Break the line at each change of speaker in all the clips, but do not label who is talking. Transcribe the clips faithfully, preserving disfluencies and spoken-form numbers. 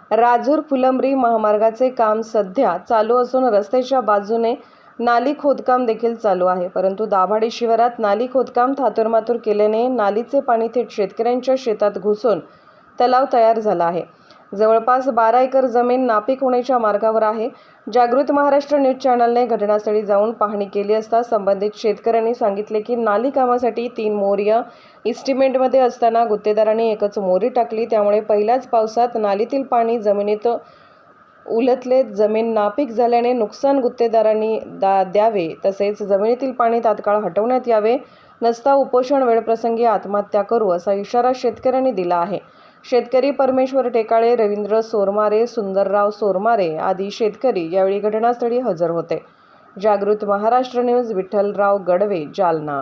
राजूर फुलंब्री महामार्गाचे काम सध्या चालू असून रस्त्याच्या बाजूने नाली खोदकाम देखील चालू आहे। परंतु दाभाडे शिवारात नाली खोदकाम थातुरमातुर केल्याने नालीचे पाणी थेट शेतकऱ्यांच्या शेतात घुसून तलाव तयार झाला आहे। जवळपास बारा एकर जमीन नापीक होण्याच्या मार्गावर आहे। जागृत महाराष्ट्र न्यूज चॅनलने घटनास्थळी जाऊन पाहणी केली असता संबंधित शेतकऱ्यांनी सांगितले की नाली कामासाठी तीन मोर्या इस्टिमेटमध्ये असताना गुत्तेदारांनी एकच मोरी टाकली, त्यामुळे पहिल्याच पावसात नालीतील पाणी जमिनीत उलटले। जमीन नापीक झाल्याने नुकसान गुत्तेदारांनी दा द्यावे तसेच जमिनीतील पाणी तात्काळ हटवण्यात यावे, नसता उपोषण वेळप्रसंगी आत्महत्या करू असा इशारा शेतकऱ्यांनी दिला आहे। शेतकरी परमेश्वर टेकाळे, रवींद्र सोरमारे, सुंदरराव सोरमारे आदी शेतकरी यावेळी घटनास्थळी हजर होते। जागृत महाराष्ट्र न्यूज, विठ्ठलराव गडवे, जालना।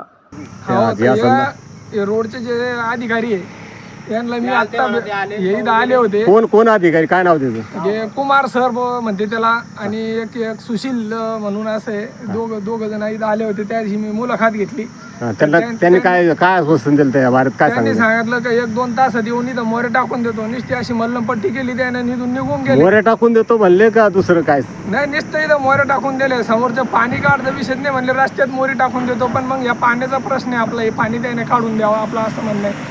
रोडचे जे अधिकारी आहे यांना मी आता येईद आले होते।
कोण कोण अधिकारी, काय नाव त्याचं?
जे कुमार सर म्हणते त्याला, आणि एक एक सुशील म्हणून असे दोघ दोघ जण इथं आले होते। त्या दिवशी मी मुलाखत घेतली।
त्यांना त्यांनी काय काय आश्वासन दिलं त्या भारत काय
त्यांनी सांगितलं की एक दोन तासात येऊन इथं मोरे टाकून देतो। नुसती अशी मल्लमपट्टी केली, त्याने निघून निघून गेले।
मोरे टाकून देतो म्हणले का दुसरं काय?
नाही, नुसतं इथं मोरे टाकून दिले। समोरचं पाणी काढतं विषय नाही म्हणले, रस्त्यात मोरी टाकून देतो। पण मग या पाण्याचा प्रश्न आहे आपला, हे पाणी त्याने काढून द्यावं आपलं असं म्हणणं आहे।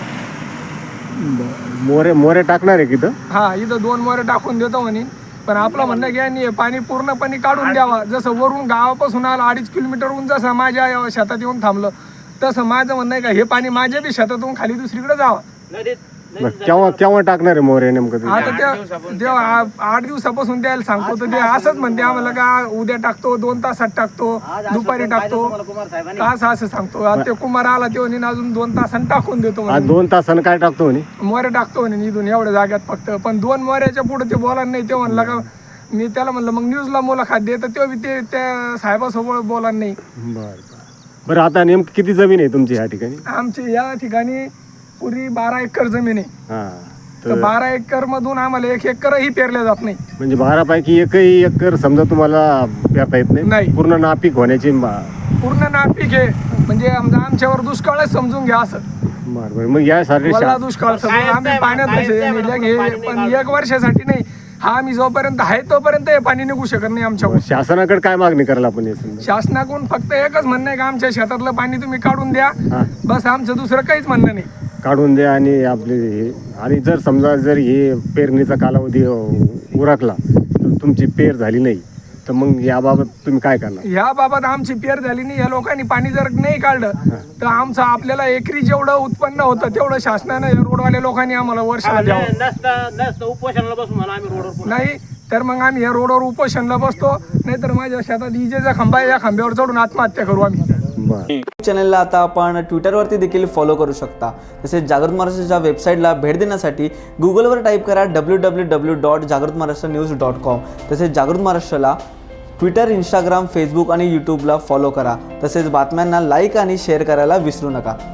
मोरे मोरे टाकणार आहे किती?
हा, इथं दोन मोरे टाकून देतो म्हणे, पण आपलं म्हणणं की यांनी पाणी पूर्णपणे काढून द्यावा। जसं वरून गावापासून आलं अडीच किलोमीटरहून जसं माझ्या शेतात येऊन थांबलं, तसं माझं म्हणणं आहे का हे पाणी माझ्या बी शेतातून खाली दुसरीकडे जावं।
केव्हा केव्हा टाकणार आहे मोरे नेमकं?
आता ते तेव्हा आठ दिवसापासून द्यायला सांगतो, तर ते असंच म्हणते आम्हाला का उद्या टाकतो, दोन तासात टाकतो, दुपारी टाकतो, असं असं सांगतो। ते कुमार आला तेव्हा अजून दोन तासांनी टाकून देतो,
दोन तासानं काय टाकतो म्हणे,
मोरे टाकतो म्हणे इथून एवढ्या जाग्यात फक्त। पण दोन मोऱ्याच्या पुढे ते बोला नाही। ते म्हणलं का मी त्याला म्हणलं मग न्यूजला मुलाखत दे, तर तेव्हा ते त्या साहेबासोबत बोला नाही।
बरं बरं आता नेमकी किती जमीन आहे तुमची या ठिकाणी?
आमची या ठिकाणी पुरी बारा एकर जमीन आहे।
हा,
तर बारा एकर मधून आम्हाला एक एकरही पेरल्या जात नाही।
म्हणजे बारा पैकी एकही एकर समजा तुम्हाला पेरता येत नाही?
नाही,
पूर्ण नापीक होण्याची
पूर्ण नापीक आहे। म्हणजे आमचा आमच्यावर दुष्काळच समजून घ्या असं।
बरं बरं, मग यासाठी
दुष्काळ समजून आम्ही पाण्यात पण एक वर्षासाठी नाही, हा आम्ही जोपर्यंत आहे तोपर्यंत हे पाणी निघू शकत नाही आमच्यावर।
शासनाकडे काय मागणी करायला आपण?
शासनाकडून फक्त एकच म्हणणं आहे का आमच्या शेतातलं पाणी तुम्ही काढून द्या, बस। आमचं दुसरं काहीच म्हणणं नाही।
काढून द्या आणि आपले हे, आणि जर समजा जर हे पेरणीचा कालावधी उरकला तर तुमची पेर झाली नाही तर मग याबाबत तुम्ही काय करणार?
याबाबत आमची पेर झाली नाही, या लोकांनी पाणी जर नाही काढलं तर आमचं आपल्याला एकरी जेवढं उत्पन्न होतं तेवढं शासनानं रोडवाल्या लोकांनी आम्हाला वर्षाला द्यावं।
उपोषणाला बसू म्हणा आम्ही रोडवर,
नाही तर मग आम्ही या रोडवर उपोषणाला बसतो, नाहीतर माझ्या शेतात इजेचा खांबा आहे, या खांब्यावर चढून आत्महत्या करू आम्ही।
चॅनलला आता आपण ट्विटरवरती देखील फॉलो करू शकता। तसेच जागृत महाराष्ट्राच्या वेबसाईटला भेट देण्यासाठी गुगलवर टाईप करा डब्ल्यू डब्ल्यू डब्ल्यू डॉट जागृत महाराष्ट्र न्यूज डॉट कॉम। तसेच जागृत महाराष्ट्राला ट्विटर, इंस्टाग्राम, फेसबुक आणि यूट्यूबला फॉलो करा। तसेच बातम्यांना लाईक आणि शेअर करायला विसरू नका।